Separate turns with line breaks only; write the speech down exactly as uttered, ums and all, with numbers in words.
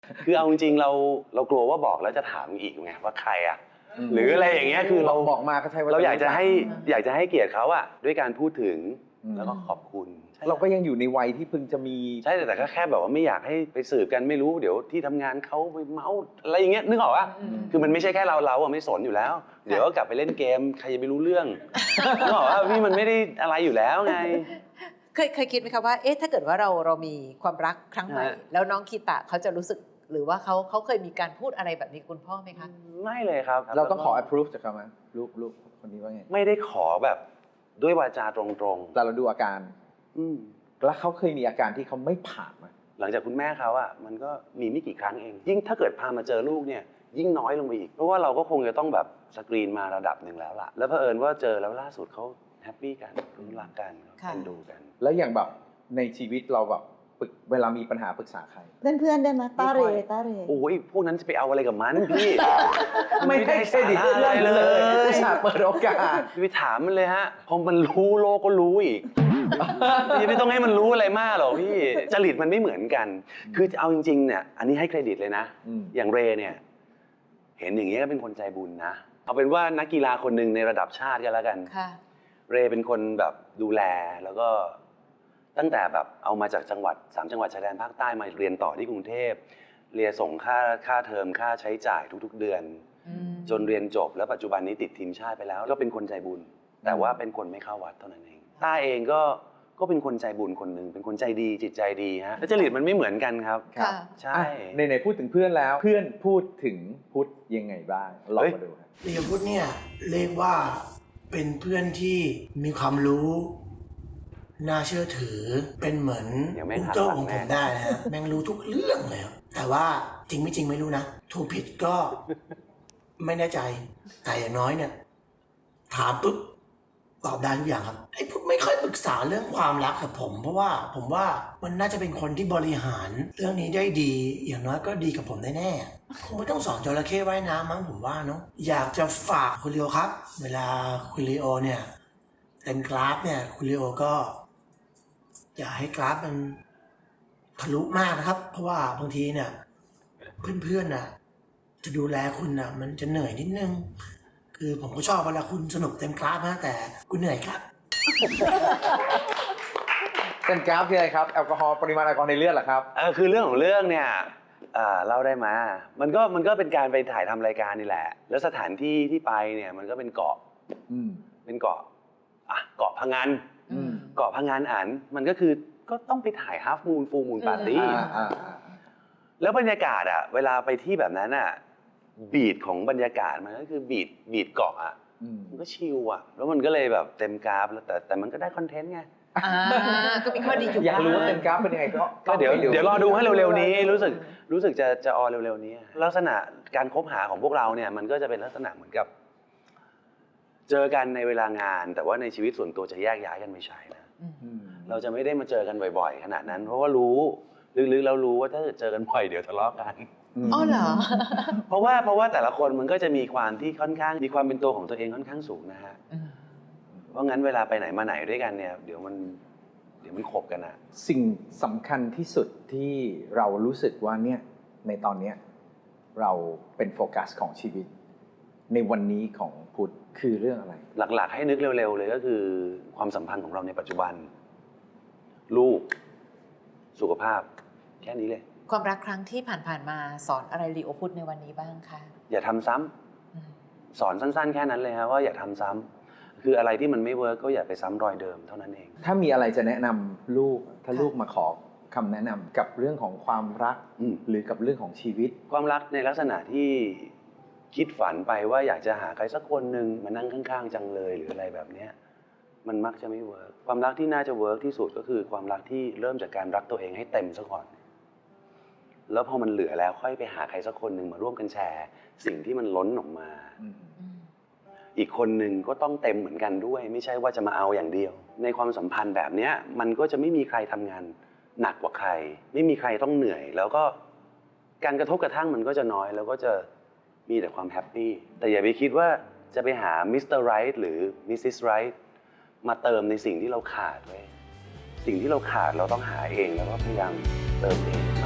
คือเอาจริงๆเราเรากลัวว่าบอกแล้วจะถามอีกไงว่าใครอ่ะหรืออะไรอย่างเงี้ยคือเรา
บอกมาก็ใช่ว่า
เราอยากจะให้อยากจะให้เกียรติเขาอะด้วยการพูดถึงแล้วก็ขอบคุณ
เราก็ยังอยู่ในวัยที่เพิ่งจะมี
ใช่แต่ก็แค่แบบว่าไม่อยากให้ไปสืบกันไม่รู้เดี๋ยวที่ทำงานเขาไปเมาอะไรอย่างเงี้ยนึกออกปะคือมันไม่ใช่แค่เราเราอะไม่สนอยู่แล้วเดี๋ยวก็กลับไปเล่นเกมใครจะไปรู้เรื่องนึกออกปะพี่มันไม่ได้อะไรอยู่แล้วไง
เคยเคยคิดไหมคะว่าเอ๊ะถ้าเกิดว่าเราเรามีความรักครั้งใหม่แล้วน้องคีตะเขาจะรู้สึกหรือว่าเขาเขาเคยมีการพูดอะไรแบบนี้คุณพ่อไหมคะ
ไม่เลยครับ
เราต้องขอ approve จากเขาไหมลูกลูกคนนี้ว่าไง
ไม่ได้ขอแบบด้วยวาจาตรง
ๆแต่เราดูอาการ
อืม
แล้วเขาเคยมีอาการที่เขาไม่ผ่านไหม
หลังจากคุณแม่เขาอ่ะมันก็มีไม่กี่ครั้งเองยิ่งถ้าเกิดพามาเจอลูกเนี่ยยิ่งน้อยลงไปอีกเพราะว่าเราก็คงจะต้องแบบสกรีนมาระดับหนึ่งแล้วล่ะแล้วเผอิญว่าเจอแล้วล่าสุดเขาแฮปปี้กันรักกันเป็นดูกัน
แล้วอย่างแบบในชีวิตเราแบบเวลามีปัญหาปรึกษาใคร
เพื่อนๆได้ไหมตาเรตาเร
โอ้ยพวกนั้นจะไปเอาอะไรกับมันพี่
ไม่ได้เครดิตอะไรเลยสาเปิดโอกาส
ไปถามมันเลยฮะพอมันรู้โลกก็รู้อีกพี่ไม่ต้องให้มันรู้อะไรมากหรอกพี่จริตมันไม่เหมือนกันคือเอาจริงๆเนี่ยอันนี้ให้เครดิตเลยนะอย่างเรเนี่ยเห็นอย่างนี้ก็เป็นคนใจบุญนะเอาเป็นว่านักกีฬาคนหนึ่งในระดับชาติกันแล้วกันเรเป็นคนแบบดูแลแล้วก็ตั้งแต่แบบเอามาจากจังหวัดสามจังหวัดชายแดนภาคใต้มาเรียนต่อที่กรุงเทพเรียนส่งค่าค่าเทอมค่าใช้จ่ายทุกๆเดือนจนเรียนจบแล้วปัจจุบันนี้ติดทีมชาติไปแล้วก็เป็นคนใจบุญแต่ว่าเป็นคนไม่เข้าวัดเท่านั้นเองต้าเองก็ก็เป็นคนใจบุญคนหนึ่งเป็นคนใจดีจิตใจดีฮะแล้วจริตมันไม่เหมือนกันครับใช่
ในๆพูดถึงเพื่อนแล้วเพื่อนพูดถึงพุทธยังไงบ้างลองมาดูครับ
เรียกพุทธเนี่ยเรียกว่าเป็นเพื่อนที่มีความรู้น่าเชื่อถือเป็นเหมือนคุณโจ้ของผมได้นะฮะแม่งรู้ทุกเรื่องเลยแต่ว่าจริงไม่จริงไม่รู้นะถูกผิดก็ไม่แน่ใจแต่อย่างน้อยเนี่ยถามปุ๊บตอบได้ทุกอย่างครับไอ้พุทธไม่ค่อยปรึกษาเรื่องความรักกับผมเพราะว่าผมว่ามันน่าจะเป็นคนที่บริหารเรื่องนี้ได้ดีอย่างน้อยก็ดีกับผมแน่ๆคงไม่ต้องสอนจระเข้ว่ายน้ำมั้งผมว่าเนาะอยากจะฝากคุณลีโอครับเวลาคุณลีโอเนี่ยเต็มกราฟเนี่ยคุณลีโอก็อย่าให้กราฟมันทะลุมากนะครับเพราะว่าบางทีเนี่ยเพื่อนๆน่ะจะดูแลคุณน่ะมันจะเหนื่อยนิดนึงคือผมก็ชอบเวลาคุณสนุกเต็มกราฟนะแต่คุณเหนื่อยครับ
เต็มกราฟคืออะไรครับแอลกอฮอล์ปริมาณแอลกอฮอล์ในเลือดเหรอครับ
เออคือเรื่องของเรื่องเนี่ยเล่าได้มามันก็มันก็เป็นการไปถ่ายทำรายการนี่แหละแล้วสถานที่ที่ไปเนี่ยมันก็เป็นเกาะเป็นเกาะอ่ะเกาะพะงันเกาะพะงันอันมันก็คือก็ต้องไปถ่ายฮาล์ฟมูนฟูลมูนปาร์ตี้แล้วบรรยากาศอ่ะเวลาไปที่แบบนั้นอ่ะบีทของบรรยากาศมันก็คือบีทบีทเกาะอ่ะมันก็ชิลอ่ะแล้วมันก็เลยแบบเต็มกราฟแล้วแต่แต่มันก็ได้คอนเทนต์ไง
ก็มีข้อดีอยู่
อยากรู้ว่าเต็มกราฟเป็นยังไง
ก็เดี๋ยวเดี๋ยวรอดูให้เร็วๆนี้รู้สึกรู้สึกจะจะออนเร็วๆนี้ลักษณะการคบหาของพวกเราเนี่ยมันก็จะเป็นลักษณะเหมือนกับเจอกันในเวลางานแต่ว่าในชีวิตส่วนตัวจะแยกย้ายกันไม่ใช่นะเราจะไม่ได้มาเจอกันบ่อยๆขนาดนั้นเพราะว่ารู้ลึกๆแล้วรู้ว่าถ้าเจอกันบ่อยเดี๋ยวทะเลาะกัน
อ๋อเหรอ
เพราะว่าเพราะว่าแต่ละคนมันก็จะมีความที่ค่อนข้างมีความเป็นตัวของตัวเองค่อนข้างสูงนะฮะเพราะงั้นเวลาไปไหนมาไหนด้วยกันเนี่ยเดี๋ยวมันเดี๋ยวมันขบกันอะ
สิ่งสำคัญที่สุดที่เรารู้สึกว่าเนี่ยในตอนนี้เราเป็นโฟกัสของชีวิตในวันนี้ของพุทธคือเรื่องอะไร
หลักๆให้นึกเร็วๆเลยก็คือความสัมพันธ์ของเราในปัจจุบันลูกสุขภาพแค่นี้เลย
ความรักครั้งที่ผ่านๆมาสอนอะไรลีโอพุทธในวันนี้บ้างคะ
อย่าทำซ้ำสอนสั้นๆแค่นั้นเลยครับว่าอย่าทำซ้ำคืออะไรที่มันไม่เวิร์กก็อย่าไปซ้ำรอยเดิมเท่านั้นเอง
ถ้ามีอะไรจะแนะนำลูกถ้าลูกมาขอคำแนะนำกับเรื่องของความรักหรือกับเรื่องของชีวิต
ความรักในลักษณะที่คิดฝันไปว่าอยากจะหาใครสักคนหนึ่งมานั่งข้างๆจังเลยหรืออะไรแบบนี้มันมักจะไม่เวิร์กความรักที่น่าจะเวิร์กที่สุดก็คือความรักที่เริ่มจากการรักตัวเองให้เต็มซะก่อนแล้วพอมันเหลือแล้วค่อยไปหาใครสักคนหนึ่งมาร่วมกันแชร์สิ่งที่มันล้นออกมาอีกคนหนึ่งก็ต้องเต็มเหมือนกันด้วยไม่ใช่ว่าจะมาเอาอย่างเดียวในความสัมพันธ์แบบนี้มันก็จะไม่มีใครทำงานหนักกว่าใครไม่มีใครต้องเหนื่อยแล้วก็การกระทบกระทั่งมันก็จะน้อยแล้วก็จะมีแต่ความแฮปปี้แต่อย่าไปคิดว่าจะไปหามิสเตอร์ไรท์หรือมิสซิสไรท์มาเติมในสิ่งที่เราขาดไว้สิ่งที่เราขาดเราต้องหาเองแล้วก็พยายามเติมเอง